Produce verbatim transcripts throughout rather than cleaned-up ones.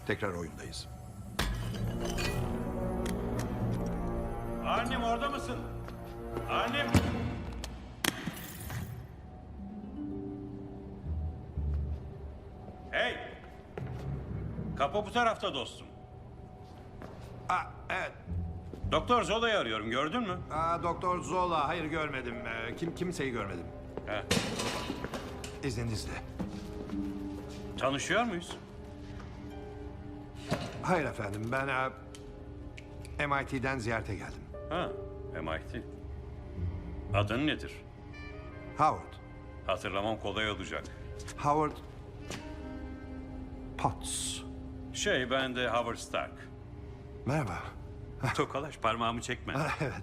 Tekrar oyundayız. Annem orada mısın? Annem! Hey! Kapı bu tarafta dostum. Aa, evet. Doktor Zola'yı arıyorum, gördün mü? Aa, Doktor Zola. Hayır görmedim. Ee, kim kimseyi görmedim. He. İzninizle. Tanışıyor muyuz? Hayır efendim. Ben e, M I T'den ziyarete geldim. Ha, M I T. Adın nedir? Howard. Hatırlamam kolay olacak. Howard Potts. Şey, ben de Howard Stark. Merhaba. Tokalaş, parmağımı çekme. Aa, evet.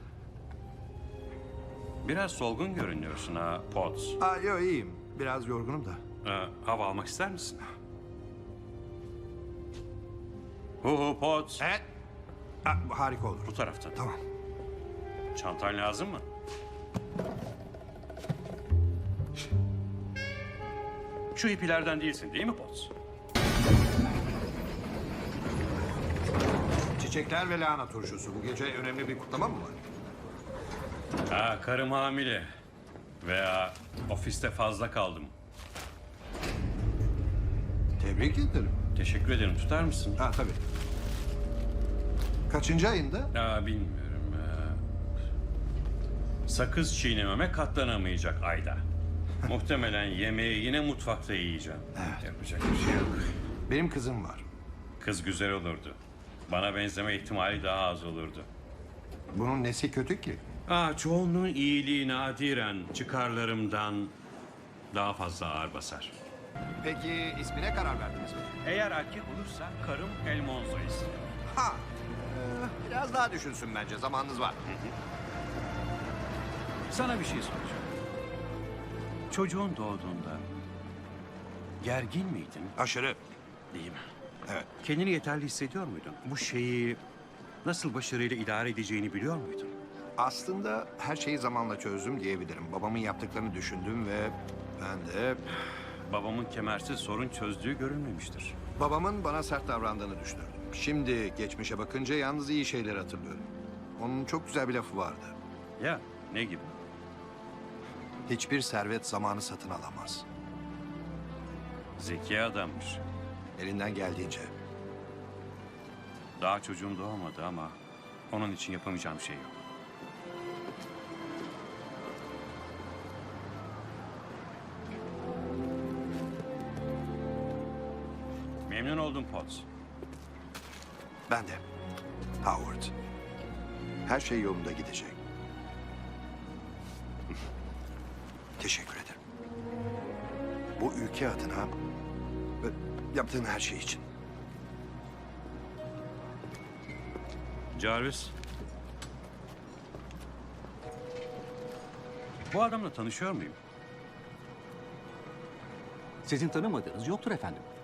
Biraz solgun görünüyorsun ha, Potts. Aa, yo, iyiyim. Biraz yorgunum da. Ee, hava almak ister misin? Hu hu Potts. Evet. Aa, harika olur. Bu taraftan. Tamam. Çantan lazım mı? Şu hippilerden değilsin değil mi Potts? Çiçekler ve lahana turşusu. Bu gece önemli bir kutlama mı var? Ha, karım hamile. Veya ofiste fazla kaldım. Tebrik ederim. Teşekkür ederim. Tutar mısın? Ha, tabii. Kaçıncı ayında? Ya bilmiyorum. Ee, sakız çiğnememe katlanamayacak Ayda. Muhtemelen yemeği yine mutfakta yiyeceğim. Evet. Yapacak bir şey yok. Benim kızım var. Kız güzel olurdu. Bana benzeme ihtimali daha az olurdu. Bunun nesi kötü ki? Aa, çoğunluğun iyiliği nadiren çıkarlarımdan daha fazla ağır basar. Peki ismine karar verdiniz mi? Eğer erkek olursa karım El Monzo istiyor. Ha. Ee, biraz daha düşünsün bence. Zamanınız var. Sana bir şey soracağım. Çocuğun doğduğunda gergin miydin? Aşırı. Değil mi? Evet. Kendini yeterli hissediyor muydun? Bu şeyi nasıl başarıyla idare edeceğini biliyor muydun? Aslında her şeyi zamanla çözdüm diyebilirim. Babamın yaptıklarını düşündüm ve ben de... Babamın kemersiz sorun çözdüğü görülmemiştir. Babamın bana sert davrandığını düşünürdüm. Şimdi geçmişe bakınca yalnız iyi şeyleri hatırlıyorum. Onun çok güzel bir lafı vardı. Ya ne gibi? Hiçbir servet zamanı satın alamaz. Zeki adammış. Elinden geldiğince. Daha çocuğum doğmadı ama onun için yapamayacağım şey yok. Memnun oldum Potts. Ben de. Howard. Her şey yolunda gidecek. Teşekkür ederim. Bu ülke adına ve yaptığın her şey için. Jarvis. Bu adamla tanışıyor muyum? Sizin tanımadığınız yoktur efendim.